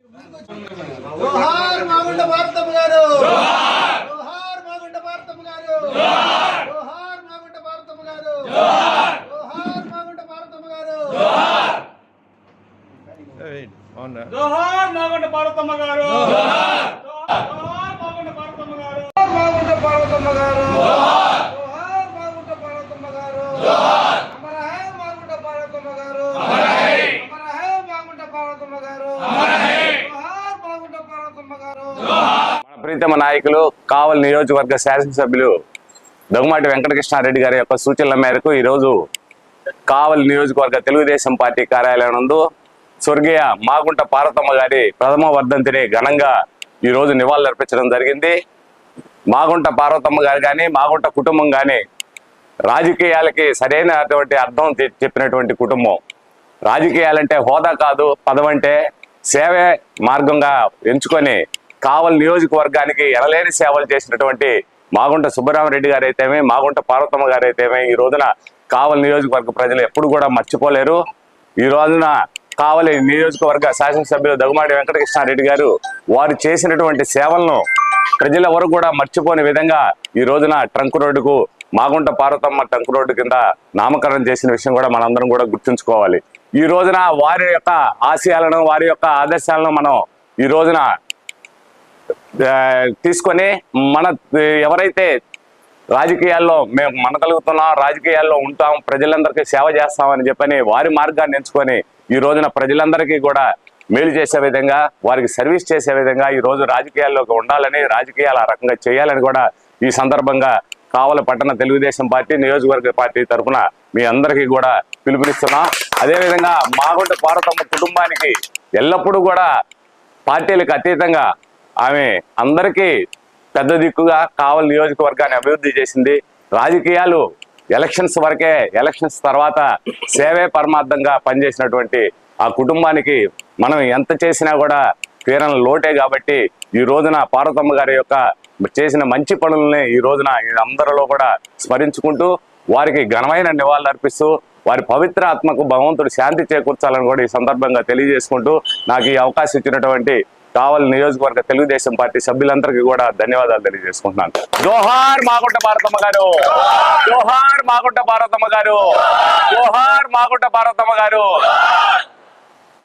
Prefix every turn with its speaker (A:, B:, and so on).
A: జోహార్ మాగుంట భారతమ్మ గారు, జోహార్ మాగుంట భారతమ్మ గారు, జోహార్ మాగుంట భారతమ్మ గారు, జోహార్ మాగుంట భారతమ్మ గారు, జోహార్ మాగుంట భారతమ్మ గారు, జోహార్ మాగుంట భారతమ్మ గారు, మాగుంట భారతమ్మ గారు, జోహార్ మాగుంట భారతమ్మ గారు, అమర హై మాగుంట భారతమ్మ గారు, అమర హై మాగుంట భారతమ్మ గారు, జోహార్ మాగుంట భారతమ్మ గారు.
B: మన ప్రీతమ నాయకులు కావలి నియోజకవర్గ శాసనసభ్యులు దగ్గుమాటి వెంకటకృష్ణారెడ్డి గారి యొక్క సూచనల మేరకు ఈరోజు కావలి నియోజకవర్గ తెలుగుదేశం పార్టీ కార్యాలయం నందు స్వర్గీయ మాగుంట పార్వతమ్మ గారి ప్రథమ వర్ధంతిని ఘనంగా ఈరోజు నివాళులర్పించడం జరిగింది. మాగుంట పార్వతమ్మ గారు కానీ మాగుంట కుటుంబం కానీ రాజకీయాలకి సరైనటువంటి అర్థం చెప్పినటువంటి కుటుంబం. రాజకీయాలంటే హోదా కాదు, పదవంటే సేవే మార్గంగా ఎంచుకొని కావలి నియోజకవర్గానికి ఎనలేని సేవలు చేసినటువంటి మాగుంట సుబ్బరామరెడ్డి గారు అయితేమే, మాగుంట పార్వతమ్మ గారు అయితేమే ఈ రోజున కావలి నియోజకవర్గ ప్రజలు ఎప్పుడు కూడా మర్చిపోలేరు. ఈ రోజున కావలి నియోజకవర్గ శాసనసభ్యులు దగ్గుమాటి వెంకటకృష్ణారెడ్డి గారు వారు చేసినటువంటి సేవలను ప్రజలెవరు కూడా మర్చిపోని విధంగా ఈ రోజున ట్రంక్ రోడ్డుకు మాగుంట పార్వతమ్మ ట్రంక్ రోడ్డు కింద నామకరణం చేసిన విషయం కూడా మనందరం కూడా గుర్తుంచుకోవాలి. ఈ రోజున వారి యొక్క ఆశయాలను, వారి యొక్క ఆదర్శాలను మనం ఈ రోజున తీసుకొని మన ఎవరైతే రాజకీయాల్లో మేము మనగలుగుతున్నాం, రాజకీయాల్లో ఉంటాం, ప్రజలందరికీ సేవ చేస్తామని చెప్పని వారి మార్గాన్ని ఎంచుకొని ఈ రోజున ప్రజలందరికీ కూడా మేలు చేసే విధంగా, వారికి సర్వీస్ చేసే విధంగా ఈ రోజు రాజకీయాల్లోకి ఉండాలని, రాజకీయాలు ఆ రకంగా చేయాలని కూడా ఈ సందర్భంగా కావలి పట్టణ తెలుగుదేశం పార్టీ నియోజకవర్గ పార్టీ తరఫున మీ అందరికీ కూడా పిలుపునిస్తున్నాం. అదేవిధంగా మాగుంట పార్వతమ్మ కుటుంబానికి ఎల్లప్పుడూ కూడా పార్టీలకు అతీతంగా ఆమె అందరికీ పెద్ద దిక్కుగా కావలి నియోజకవర్గాన్ని అభివృద్ధి చేసింది. రాజకీయాలు ఎలక్షన్స్ వరకే, ఎలక్షన్స్ తర్వాత సేవే పరమార్థంగా పనిచేసినటువంటి ఆ కుటుంబానికి మనం ఎంత చేసినా కూడా తీరని లోటే. కాబట్టి ఈ రోజున పార్వతమ్మ గారి యొక్క చేసిన మంచి పనులని ఈ రోజున అందరిలో కూడా స్మరించుకుంటూ వారికి ఘనమైన నివాళులు అర్పిస్తూ వారి పవిత్ర ఆత్మకు భగవంతుడు శాంతి చేకూర్చాలని కూడా ఈ సందర్భంగా తెలియజేసుకుంటూ నాకు ఈ అవకాశం ఇచ్చినటువంటి కావలి నియోజకవర్గ తెలుగుదేశం పార్టీ సభ్యులందరికీ కూడా ధన్యవాదాలు తెలియజేసుకుంటున్నాను. జోహార్ మాగుంట పార్వతమ్మ గారు, జోహార్ మాగుంట పార్వతమ్మ గారు, జోహార్ మాగుంట పార్వతమ్మ గారు.